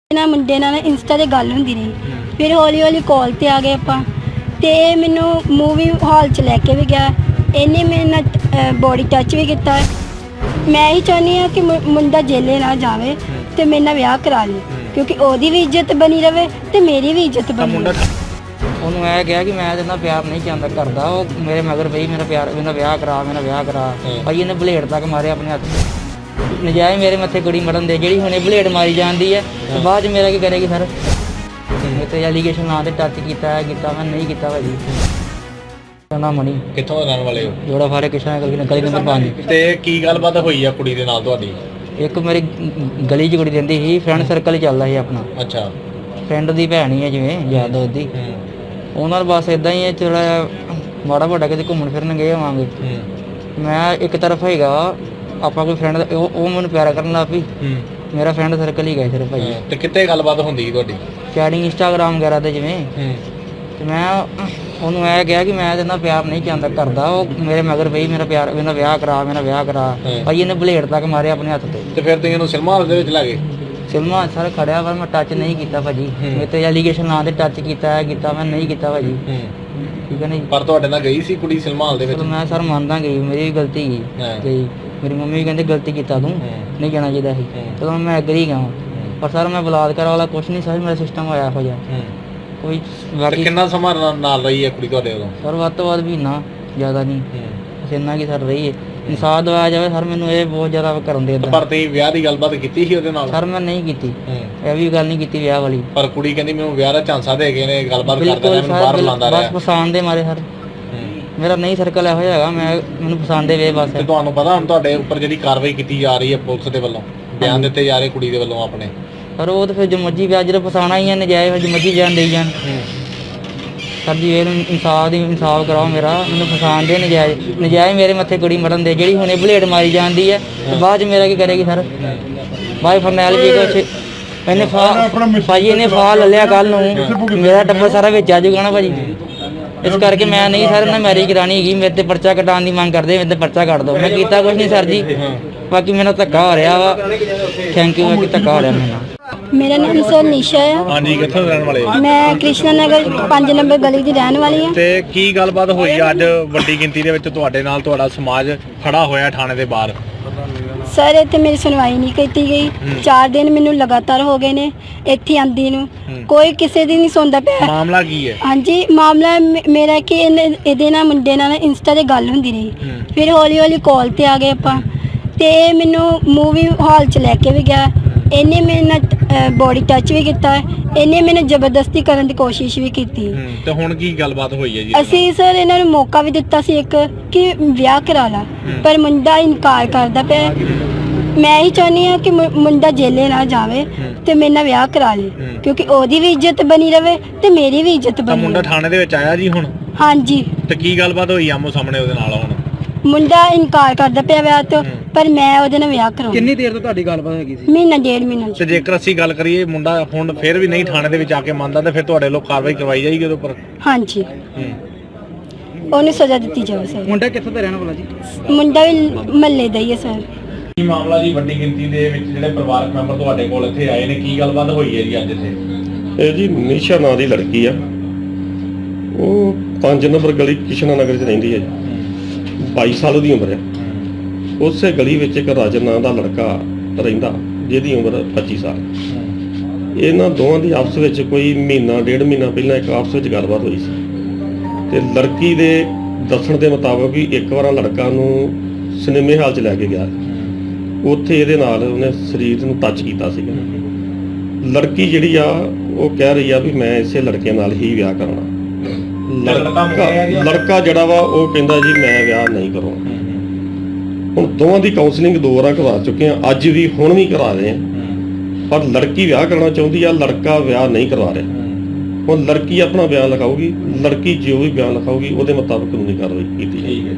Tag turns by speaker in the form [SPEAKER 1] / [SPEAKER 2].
[SPEAKER 1] ਨਾ ਮੁੰਡੇ ਨਾਲ ਇੰਸਟਾ ਤੇ ਗੱਲ ਹੁੰਦੀ ਰਹੀ। ਫਿਰ ਹੌਲੀ ਹੌਲੀ ਕਾਲ ਤੇ ਆ ਗਏ ਆਪਾਂ ਤੇ ਇਹ ਮੈਨੂੰ ਮੂਵੀ ਹਾਲ ਚ ਲੈ ਕੇ ਵੀ ਗਿਆ। ਇਹਨੇ ਮੇਰੇ ਨਾਲ ਬੋਡੀ ਟੱਚ ਵੀ ਕੀਤਾ। ਮੈਂ ਹੀ ਚਾਹੁੰਦੀ ਹਾਂ ਕਿ ਮੁੰਡਾ ਜੇਲੇ ਨਾ ਜਾਵੇ ਤੇ ਮੇਰੇ ਨਾਲ ਵਿਆਹ ਕਰਾ ਲੇ, ਕਿਉਂਕਿ ਉਹਦੀ ਵੀ ਇੱਜ਼ਤ ਬਣੀ ਰਵੇ ਤੇ ਮੇਰੀ ਵੀ ਇੱਜ਼ਤ ਬਣੀ ਰਵੇ।
[SPEAKER 2] ਉਹਨੂੰ ਇਹ ਕਿਹਾ ਕਿ ਮੈਂ ਇਹਦੇ ਨਾਲ ਪਿਆਰ ਨਹੀਂ ਚਾਹੁੰਦਾ ਕਰਦਾ, ਉਹ ਮੇਰੇ ਮਗਰ ਪਈ ਮੇਰਾ ਵਿਆਹ ਕਰਾ ਭਾਈ ਇਹਨੇ ਬਲੇਡ ਤੱਕ ਮਾਰਿਆ ਆਪਣੇ ਹੱਥ ਤੇ। ਨਜਾਇਜ਼ ਮੇਰੇ ਮੱਥੇ ਕੁੜੀ ਮਰਨ ਦੇ, ਜਿਹੜੀ ਹੁਣੇ ਬਲੇਡ ਮਾਰੀ ਜਾਂਦੀ ਹੈ ਤੇ ਬਾਅਦ ਚ ਮੇਰਾ ਕੀ ਕਰੇਗੀ ਸਰ? ਮੇਰੇ ਤੇ ਐਲੀਗੇਸ਼ਨ ਨਾਂ ਤੇ ਟੱਚ ਕੀਤਾ ਮੈਂ ਨਹੀਂ ਕੀਤਾ ਭਾਜੀ। ਨਾ ਮਣੀ
[SPEAKER 3] ਕਿੱਥੋਂ ਦੇ ਰਹਿਣ ਵਾਲੇ ਹੋ?
[SPEAKER 2] ਜੋੜਾ ਫਾਰੇ ਕਿਸ਼ਨਾ ਗਲੀ ਨੰਬਰ 5।
[SPEAKER 3] ਤੇ ਕੀ ਗੱਲਬਾਤ ਹੋਈ ਆ ਕੁੜੀ ਦੇ ਨਾਲ ਤੁਹਾਡੀ?
[SPEAKER 2] ਇੱਕ ਮੇਰੀ ਗਲੀ 'ਚ ਕੁੜੀ ਰਹਿੰਦੀ ਸੀ, ਫਰੈਂਡ ਸਰਕਲ ਹੀ ਚੱਲਦਾ ਸੀ ਆਪਣਾ।
[SPEAKER 3] ਅੱਛਾ।
[SPEAKER 2] ਫਰੈਂਡ ਦੀ ਭੈਣ ਹੀ ਹੈ ਜਿਵੇਂ ਯਾਰ ਦੋਸਤ ਦੀ। ਉਹਨਾਂ ਨਾਲ ਬਸ ਇਦਾਂ ਹੀ ਹੈ, ਥੋੜਾ ਮਾੜਾ ਮੋਟਾ ਕਿਤੇ ਘੁੰਮਣ ਫਿਰਨ ਗਏ ਹੋਵਾਂਗੇ। ਮੈਂ ਇੱਕ ਤਰਫ ਹੈਗਾ ਆਪਾਂ ਕੋਈ ਫਰੈਂਡ ਉਹ ਮੈਨੂੰ ਪਿਆਰ ਕਰਨ ਲੱਗ ਪਈ। ਮੇਰਾ ਫਰੈਂਡ ਸਰਕਲ ਹੀ ਗਏ ਸਿਰਫ ਭਾਈ।
[SPEAKER 3] ਤੇ ਕਿੱਥੇ ਗੱਲਬਾਤ ਹੁੰਦੀ ਤੁਹਾਡੀ?
[SPEAKER 2] ਚੈਟਿੰਗ ਇੰਸਟਾਗ੍ਰਾਮ ਵਗੈਰਾ ਤੇ ਜਿਵੇਂ। ਤੇ ਮੈਂ ਉਹਨੂੰ ਇਹ ਕਿਹਾ ਕਿ ਮੈਂ ਇਹਦੇ ਨਾਲ ਪਿਆਰ ਨਹੀਂ ਚਾਹੁੰਦਾ ਕਰਦਾ, ਉਹ ਮੇਰੇ ਮਗਰ ਪਈ ਮੇਰਾ ਵਿਆਹ ਕਰਾ ਭਾਈ ਇਹਨੇ ਬਲੇਡ ਤੱਕ ਮਾਰਿਆ ਆਪਣੇ ਹੱਥ ਤੇ।
[SPEAKER 3] ਤੇ ਫਿਰ ਤੁਸੀਂ ਇਹਨੂੰ ਸਿਨੇਮਾ ਹਾਲ ਦੇ ਵਿੱਚ ਲੈ ਗਏ?
[SPEAKER 2] ਸਿਨੇਮਾ ਸਰ ਖੜਿਆ ਪਰ ਮੈਂ ਟੱਚ ਨਹੀਂ ਕੀਤਾ ਭਾਜੀ। ਮੇਰੇ ਤੇ ਐਲੀਗੇਸ਼ਨ ਨਾਂ ਤੇ ਟੱਚ ਕੀਤਾ ਮੈਂ ਨਹੀਂ ਕੀਤਾ ਭਾਜੀ। ਠੀਕ ਹੈ ਨਹੀਂ,
[SPEAKER 3] ਪਰ ਤੁਹਾਡੇ ਨਾਲ ਗਈ ਸੀ ਕੁੜੀ ਸਿਨੇਮਾ ਹਾਲ ਦੇ ਵਿੱਚ?
[SPEAKER 2] ਮੈਂ ਸਰ ਮੰਨਦਾ ਗਈ, ਮੇਰੀ ਵੀ ਗਲਤੀ ਗਈ। ਮੇਰੀ ਮੰਮੀ ਵੀ ਕਹਿੰਦੇ ਗਲਤੀ ਕੀਤਾ ਤੂੰ, ਨਹੀਂ ਜਾਣਾ ਚਾਹੀਦਾ ਸੀ। ਚਲੋ ਮੈਂ ਐਗਰੀ ਗਿਆ, ਪਰ ਸਰ ਮੈਂ ਬਲਾਤਕਾਰ ਵਾਲਾ ਕੁਛ ਨਹੀਂ, ਸਰ ਮੇਰਾ ਸਿਸਟਮ ਹੋਇਆ ਹੋ ਜਾ ਕੋਈ। ਬਾਕੀ
[SPEAKER 3] ਕਿੰਨਾ ਸਮਾਂ ਨਾਲ ਰਹੀ ਹੈ ਕੁੜੀ ਤੁਹਾਡੇ ਉਦੋਂ?
[SPEAKER 2] ਸਰ ਵੱਧ ਤੋਂ ਵੱਧ ਮਹੀਨਾ, ਜ਼ਿਆਦਾ ਨਹੀਂ, ਇੰਨਾ ਕੀ ਸਰ ਰਹੀ ਹੈ। ਇਨਸਾਫ ਦਵਾਇਆ ਜਾਵੇ ਸਰ, ਮੈਨੂੰ ਇਹ ਬਹੁਤ ਜ਼ਿਆਦਾ ਕਰਨ ਦੇ।
[SPEAKER 3] ਪਰ ਤੁਸੀਂ ਵਿਆਹ ਦੀ ਗੱਲਬਾਤ ਕੀਤੀ ਸੀ ਉਹਦੇ ਨਾਲ?
[SPEAKER 2] ਸਰ ਮੈਂ ਨਹੀਂ ਕੀਤੀ, ਇਹ ਵੀ ਗੱਲ ਨਹੀਂ ਕੀਤੀ ਵਿਆਹ ਵਾਲੀ।
[SPEAKER 3] ਪਰ ਕੁੜੀ ਕਹਿੰਦੀ ਮੈਨੂੰ ਵਿਆਹ ਦਾ ਝਾਂਸਾ ਦੇ ਗਏ ਨੇ, ਗੱਲਬਾਤ ਕਰਦਾ ਰਿਹਾ, ਮੈਨੂੰ ਬਾਹਰ ਬੁਲਾਉਂਦਾ ਰਿਹਾ।
[SPEAKER 2] ਬਸ ਪਸੰਦ ਦੇ ਮਾਰੇ ਸਰ, ਮੇਰਾ ਨਹੀਂ ਸਰਕਲ ਇਹੋ ਜਿਹਾ ਹੈਗਾ, ਮੈਨੂੰ ਪਸੰਦ ਦੇ ਵੇ ਬਸ।
[SPEAKER 3] ਤੇ ਤੁਹਾਨੂੰ ਪਤਾ ਹੁਣ ਤੁਹਾਡੇ ਉੱਪਰ ਜਿਹੜੀ ਕਾਰਵਾਈ ਕੀਤੀ ਜਾ ਰਹੀ ਹੈ ਪੁਲਿਸ ਦੇ ਵੱਲੋਂ, ਬਿਆਨ ਦਿੱਤੇ ਜਾ ਰਹੇ ਕੁੜੀ ਦੇ ਵੱਲੋਂ ਆਪਣੇ?
[SPEAKER 2] ਸਰ ਉਹ ਤਾਂ ਫਿਰ ਜੋ ਮਰਜ਼ੀ ਵਿਆਹ ਜਦੋਂ ਫਸਾਉਣਾ ਹੀ ਹੈ, ਨਜਾਇਜ਼ ਜੋ ਮਰਜ਼ੀ ਬਿਆਨ ਦੇਈ ਜਾਣ। ਸਰ ਜੀ ਇਹ ਇਨਸਾਫ ਕਰਾਓ ਮੇਰਾ, ਮੈਨੂੰ ਫਸਾਉਣ ਦੇ ਨਜਾਇਜ਼ ਮੇਰੇ ਮੱਥੇ ਕੁੜੀ ਮਰਨ ਦੇ, ਜਿਹੜੀ ਹੁਣੇ ਬਲੇਡ ਮਾਰੀ ਜਾਂਦੀ ਹੈ ਤੇ ਬਾਅਦ ਚ ਮੇਰਾ ਕੀ ਕਰੇਗੀ ਸਰ? ਬਾਈ ਫਰਨੈਲ ਜੀ ਕੁਛ ਇਹਨੇ ਭਾਜੀ ਇਹਨੇ ਫਾਹ ਲੈ ਲਿਆ ਕੱਲ ਨੂੰ, ਮੇਰਾ ਟੱਬਰ ਸਾਰਾ ਵਿੱਚ ਆ ਜਾਊਗਾ ਨਾ ਭਾਜੀ। ਇਸ ਕਰਕੇ ਮੈਂ ਨਹੀਂ ਸਰ ਨਾ ਮੈਰਿਜ ਕਰਾਣੀ ਹੈਗੀ। ਮੇਰੇ ਤੇ ਪਰਚਾ ਕਟਾਉਣ ਦੀ ਮੰਗ ਕਰਦੇ, ਮੇਰੇ ਤੇ ਪਰਚਾ ਕੱਟ ਦਿਓ। ਮੈਂ ਕੀਤਾ ਕੁਛ ਨਹੀਂ ਸਰ ਜੀ, ਬਾਕੀ ਮੈਨੂੰ ਧੱਕਾ ਹੋ ਰਿਹਾ ਵਾ। ਥੈਂਕ ਯੂ, ਬਾਕੀ ਧੱਕਾ ਹੋ ਰਿਹਾ ਮੈਨੂੰ।
[SPEAKER 1] ਮੇਰਾ ਨਾਮ ਸਰ ਨਿਸ਼ਾ ਹੈ।
[SPEAKER 3] ਹਾਂਜੀ, ਕਿੱਥੋਂ ਦੇ ਰਹਿਣ ਵਾਲੇ ਹੋ?
[SPEAKER 1] ਮੈਂ ਕ੍ਰਿਸ਼ਨਾ ਨਗਰ 5 ਨੰਬਰ ਗਲੀ ਦੀ ਰਹਿਣ ਵਾਲੀ ਹਾਂ।
[SPEAKER 3] ਤੇ ਕੀ ਗੱਲਬਾਤ ਹੋਈ ਅੱਜ ਵੱਡੀ ਗਿਣਤੀ ਦੇ ਵਿੱਚ ਤੁਹਾਡੇ ਨਾਲ? ਤੁਹਾਡਾ ਸਮਾਜ ਖੜਾ ਹੋਇਆ ਥਾਣੇ ਦੇ ਬਾਹਰ।
[SPEAKER 1] ਸਰ ਇੱਥੇ ਮੇਰੀ ਸੁਣਵਾਈ ਨਹੀਂ ਕੀਤੀ ਗਈ। 4 ਦਿਨ ਮੈਨੂੰ ਲਗਾਤਾਰ ਹੋ ਗਏ ਨੇ ਇੱਥੇ ਆਂਦੀ ਨੂੰ, ਕੋਈ ਕਿਸੇ ਦੀ ਨਹੀਂ ਸੁਣਦਾ ਪਿਆ।
[SPEAKER 3] ਮਾਮਲਾ ਕੀ ਹੈ?
[SPEAKER 1] ਹਾਂਜੀ, ਮਾਮਲਾ ਮੇਰਾ ਕਿ ਇਹਦੇ ਨਾਲ ਮੁੰਡੇ ਨਾਲ ਇੰਸਟਾ ਤੇ ਗੱਲ ਹੁੰਦੀ ਰਹੀ। ਫਿਰ ਹੌਲੀ ਹੌਲੀ ਕਾਲ ਤੇ ਆ ਗਏ ਆਪਾਂ ਤੇ ਇਹ ਮੈਨੂੰ ਮੂਵੀ ਹਾਲ ਚ ਲੈ ਕੇ ਵੀ ਗਿਆ। ਇਹਨੇ ਮੇਰੇ ਨਾਲ ਬੋਡੀ ਟੱਚ ਵੀ ਕੀਤਾ। ਇਹਨੇ ਮੈਨੂੰ ਜ਼ਬਰਦਸਤੀ ਕਰਨ ਦੀ ਕੋਸ਼ਿਸ਼ ਵੀ ਕੀਤੀ।
[SPEAKER 3] ਤੇ ਹੁਣ ਕੀ ਗੱਲਬਾਤ ਹੋਈ ਹੈ ਜੀ?
[SPEAKER 1] ਅਸੀਂ ਸਰ ਇਹਨਾਂ ਨੂੰ ਮੌਕਾ ਵੀ ਦਿੱਤਾ ਸੀ ਇੱਕ ਕਿ ਵਿਆਹ ਕਰਾ ਲਾ, ਪਰ ਮੁੰਡਾ ਇਨਕਾਰ ਕਰਦਾ ਪਿਆ। ਮੈਂ ਹੀ ਚਾਹੁੰਦੀ ਹਾਂ ਕਿ ਮੁੰਡਾ ਜੇਲੇ ਨਾ ਜਾਵੇ ਤੇ ਮੇਰੇ ਨਾਲ ਵਿਆਹ ਕਰਾ ਲੇ, ਕਿਉਂਕਿ ਉਹਦੀ ਵੀ ਇੱਜ਼ਤ ਬਣੀ ਰਵੇ ਤੇ ਮੇਰੀ ਵੀ ਇੱਜ਼ਤ ਬਣੀ ਰਵੇ।
[SPEAKER 3] ਮੁੰਡਾ ਥਾਣੇ ਦੇ ਵਿੱਚ ਆਇਆ ਜੀ ਹੁਣ?
[SPEAKER 1] ਹਾਂਜੀ।
[SPEAKER 3] ਤੇ ਕੀ ਗੱਲਬਾਤ ਹੋਈ ਆਮੋ ਸਾਹਮਣੇ ਉਹਦੇ ਨਾਲ? ਹੁਣ
[SPEAKER 1] ਮੁੰਡਾ ਇਨਕਾਰ ਕਰਦਾ ਪਿਆ ਵਿਆਹ ਤੋਂ, ਪਰ ਮੈਂ ਉਹਦੇ ਨਾਲ ਵਿਆਹ ਕਰਾਉਣਾ।
[SPEAKER 2] ਕਿੰਨੀ ਦੇਰ ਤੋਂ ਤੁਹਾਡੀ ਗੱਲਬਾਤ ਹੈਗੀ ਸੀ?
[SPEAKER 1] ਮਹੀਨਾ 1.5 ਮਹੀਨਾ।
[SPEAKER 3] ਤੇ ਜੇਕਰ ਅਸੀਂ ਗੱਲ ਕਰੀਏ ਮੁੰਡਾ ਹੁਣ ਫਿਰ ਵੀ ਨਹੀਂ ਥਾਣੇ ਦੇ ਵਿੱਚ ਆ ਕੇ ਮੰਨਦਾ, ਤੇ ਫਿਰ ਤੁਹਾਡੇ ਲੋਕ ਕਾਰਵਾਈ ਕਰਵਾਈ ਜਾਏਗੀ ਉਹਦੇ ਉੱਪਰ?
[SPEAKER 1] ਹਾਂਜੀ, ਉਹਨੂੰ ਸਜ਼ਾ ਦਿੱਤੀ ਜਾਵੇ ਸਰ।
[SPEAKER 2] ਮੁੰਡਾ ਕਿੱਥੋਂ ਦਾ ਰਹਿਣ ਵਾਲਾ ਜੀ?
[SPEAKER 1] ਮੁੰਡਾ ਵੀ ਮਹੱਲੇ ਦਾ ਹੀ ਹੈ ਸਰ।
[SPEAKER 3] ਕੀ ਮਾਮਲਾ ਜੀ? ਵੱਡੀ ਗਿਣਤੀ ਦੇ ਵਿੱਚ ਜਿਹੜੇ ਪਰਿਵਾਰਕ ਮੈਂਬਰ ਤੁਹਾਡੇ ਕੋਲ ਇੱਥੇ ਆਏ ਨੇ, ਕੀ ਗੱਲਬਾਤ ਹੋਈ ਹੈ ਜੀ ਅੱਜ ਇੱਥੇ?
[SPEAKER 4] ਇਹ ਜੀ ਨਿਸ਼ਾ ਨਾਂ ਦੀ ਲੜਕੀ ਆ, ਉਹ 5 ਨੰਬਰ ਗਲੀ ਕਿਸ਼ਨਾ ਨਗਰ 'ਚ ਰਹਿੰਦੀ ਹੈ ਜੀ। 22 ਸਾਲ ਦੀ ਉਮਰ ਹੈ। ਉਸੇ ਗਲੀ ਵਿੱਚ ਇੱਕ ਰਾਜਨ ਨਾਂ ਦਾ ਲੜਕਾ ਰਹਿੰਦਾ, ਜਿਹਦੀ ਉਮਰ 25 ਸਾਲ। ਇਹਨਾਂ ਦੋਵਾਂ ਦੀ ਆਪਸ ਵਿੱਚ ਕੋਈ ਮਹੀਨਾ 1.5 ਮਹੀਨਾ ਪਹਿਲਾਂ ਇੱਕ ਆਪਸ ਵਿੱਚ ਗੱਲਬਾਤ ਹੋਈ ਸੀ। ਤੇ ਲੜਕੀ ਦੇ ਦੱਸਣ ਦੇ ਮੁਤਾਬਕ ਵੀ ਇੱਕ ਵਾਰ ਲੜਕਾ ਨੂੰ ਸਿਨੇਮੇ ਹਾਲ 'ਚ ਲੈ ਕੇ ਗਿਆ, ਉੱਥੇ ਇਹਦੇ ਨਾਲ ਉਹਨੇ ਸਰੀਰ ਨੂੰ ਟੱਚ ਕੀਤਾ ਸੀਗਾ। ਲੜਕੀ ਜਿਹੜੀ ਆ ਉਹ ਕਹਿ ਰਹੀ ਆ ਵੀ ਮੈਂ ਇਸੇ ਲੜਕੇ ਨਾਲ ਹੀ ਵਿਆਹ ਕਰਨਾ। ਲੜਕਾ ਜਿਹੜਾ ਵਾ ਉਹ ਕਹਿੰਦਾ ਜੀ ਮੈਂ ਵਿਆਹ ਨਹੀਂ ਕਰਾਉਣਾ। ਹੁਣ ਦੋਵਾਂ ਦੀ ਕਾਉਂਸਲਿੰਗ 2 ਵਾਰਾਂ ਕਰਵਾ ਚੁੱਕੇ ਆ, ਅੱਜ ਵੀ ਹੁਣ ਵੀ ਕਰਾ ਰਹੇ ਆ, ਪਰ ਲੜਕੀ ਵਿਆਹ ਕਰਨਾ ਚਾਹੁੰਦੀ ਆ, ਲੜਕਾ ਵਿਆਹ ਨਹੀਂ ਕਰਵਾ ਰਿਹਾ। ਹੁਣ ਲੜਕੀ ਆਪਣਾ ਬਿਆਨ ਲਿਖਾਊਗੀ, ਲੜਕੀ ਜੋ ਵੀ ਬਿਆਨ ਲਿਖਾਊਗੀ ਉਹਦੇ ਮੁਤਾਬਕ ਕਾਨੂੰਨੀ ਕਾਰਵਾਈ ਕੀਤੀ ਜਾਏਗੀ।